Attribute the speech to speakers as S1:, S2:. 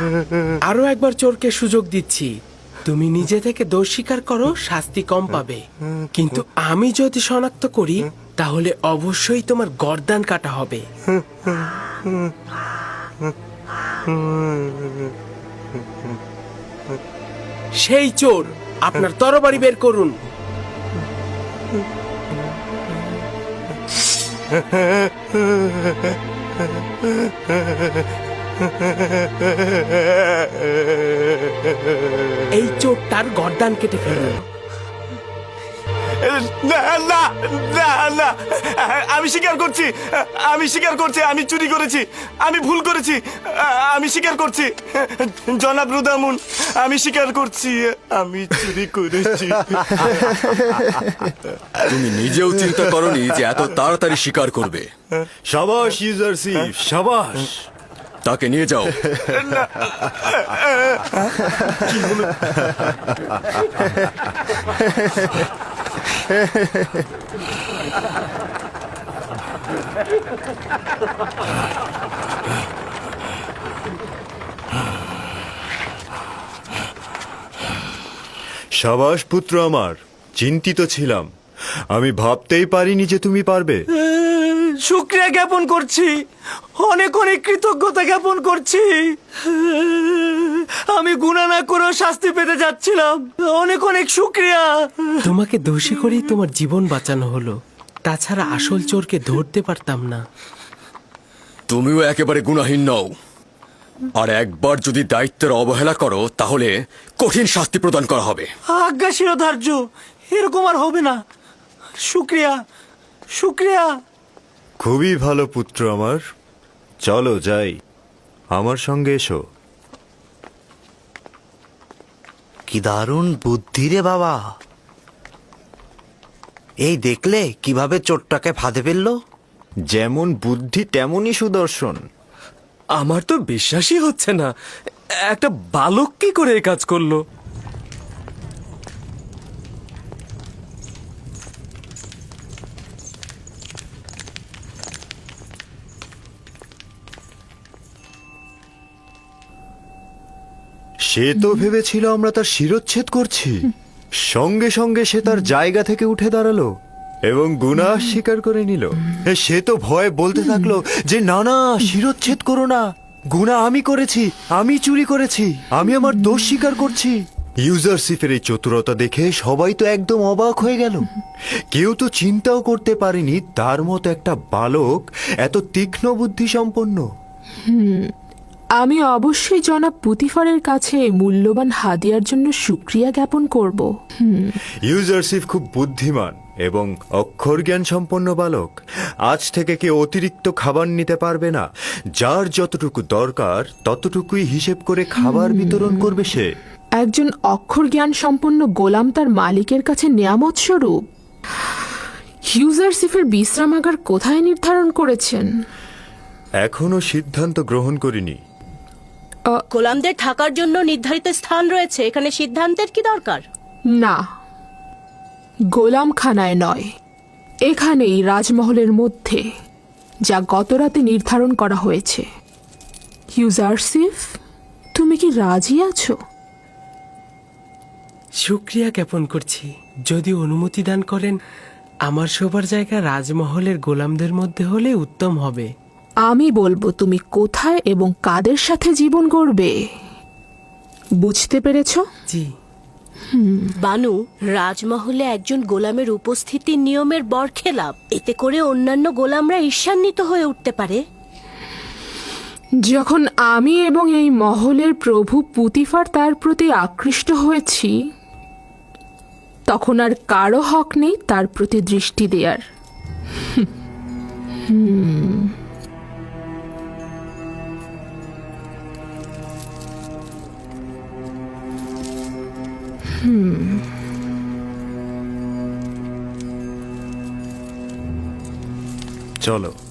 S1: আরো একবার চোরকে সুযোগ দিচ্ছি, তুমি নিজে থেকে দোষ স্বীকার করো, শাস্তি কম পাবে। কিন্তু আমি যদি শনাক্ত করি তাহলে অবশ্যই তোমার গর্দান কাটা হবে। সেই চোর, আপনার তরবারি বের করুন। এই চোরটার গর্দান কেটে ফেলুন।
S2: না না না না, আমি স্বীকার করছি, আমি স্বীকার করছি, আমি চুরি করেছি, আমি ভুল করেছি, আমি স্বীকার করছি। জনাব রুদামুন, আমি স্বীকার করছি, আমি চুরি করেছি।
S3: তুমি নিজেও চিন্তা করনি যে এত তাড়াতাড়ি স্বীকার করবে।
S4: সাবাস ইউজারশিপ, সাবাস।
S3: তাকে নিয়ে যাও।
S4: সাবাস পুত্র আমার, চিন্তিত ছিলাম, আমি ভাবতেই পারিনি যে তুমি পারবে।
S2: শুকরিয়া জ্ঞাপন করছি, অনেক অনেক কৃতজ্ঞতা জ্ঞাপন করছি। আমি গুনাহ না করেও শাস্তি পেতে যাচ্ছিলাম, অনেক অনেক শুকরিয়া।
S1: তোমাকে দোষী করেই তোমার জীবন বাঁচানো হলো, তাছাড়া আসল চোরকে ধরতে পারতাম না।
S3: তুমিও একেবারে গুনাহীন নও, আর একবার যদি দায়িত্বের অবহেলা করো তাহলে কঠিন শাস্তি প্রদান করা হবে।
S2: আজ্ঞা শিরোধার্য, এরকম আর হবে না। শুকরিয়া, শুকরিয়া।
S4: খুবই ভালো পুত্র আমার, চলো যাই, আমার সঙ্গে এসো।
S5: কি দারুণ বুদ্ধি রে বাবা! এই দেখলে কিভাবে চোরটাকে ফাঁদে ফেললো?
S4: যেমন বুদ্ধি তেমনই সুদর্শন।
S2: আমার তো বিশ্বাসই হচ্ছে না, একটা বালক কি করে এই কাজ করলো।
S4: সে তো ভেবেছিল আমরা তার শিরচ্ছেদ করছি, সঙ্গে সঙ্গে সে তার জায়গা থেকে উঠে দাঁড়ালো এবং গুনাহ স্বীকার করে নিল। সে তো ভয়ে বলতে থাকলো যে না না, শিরচ্ছেদ করো না, গুনাহ আমি করেছি, আমি চুরি করেছি, আমি আমার দোষ স্বীকার করছি। ইউজারশিপের এই চতুরতা দেখে সবাই তো একদম অবাক হয়ে গেল। কেউ তো চিন্তাও করতে পারেনি তার মতো একটা বালক এত তীক্ষ্ণ বুদ্ধি সম্পন্ন।
S6: আমি অবশ্যই জনাব পুতিফারের কাছে মূল্যবান হাদিয়ার জন্য শুকরিয়া জ্ঞাপন করব।
S4: ইউজারশিপ খুব বুদ্ধিমান এবং অক্ষর জ্ঞান সম্পন্ন বালক। আজ থেকে কেউ অতিরিক্ত খাবার নিতে পারবে না, যার যতটুকু দরকার ততটুকুই হিসেব করে খাবার বিতরণ করবে সে।
S6: একজন অক্ষর জ্ঞান সম্পন্ন গোলাম তার মালিকের কাছে নেয়ামত স্বরূপ। ইউজারশিপের বিশ্রামাগার কোথায় নির্ধারণ করেছেন?
S4: এখনো সিদ্ধান্ত গ্রহণ করিনি।
S7: গোলামদের থাকার জন্য নির্ধারিত স্থান রয়েছে, এখানে সিদ্ধান্তের কি দরকার?
S6: না, গোলামখানায় নয়, এখানেই রাজমহলের মধ্যে, যা গতরাতে নির্ধারণ করা হয়েছে। ইউজারশিপ, তুমি কি রাজি আছো?
S1: শুকরিয়া জ্ঞাপন করছি, যদি অনুমতি দান করেন আমার শোবার জায়গা রাজমহলের গোলামদের মধ্যে হলে উত্তম হবে।
S6: আমি বলবো তুমি কোথায় এবং কাদের সাথে জীবন গড়বে। বুঝতে পেরেছ?
S1: জি।
S7: বানু, রাজমহলে একজন গোলামের উপস্থিতি নিয়মের বরখেলাপ, এতে করে অন্যান্য গোলামরা ঈর্ষান্বিত হয়ে উঠতে পারে।
S6: যখন আমি এবং এই মহলের প্রভু পুতিফার তার প্রতি আকৃষ্ট হয়েছি, তখন আর কারো হক নেই তার প্রতি দৃষ্টি দেয়ার।
S4: চলো।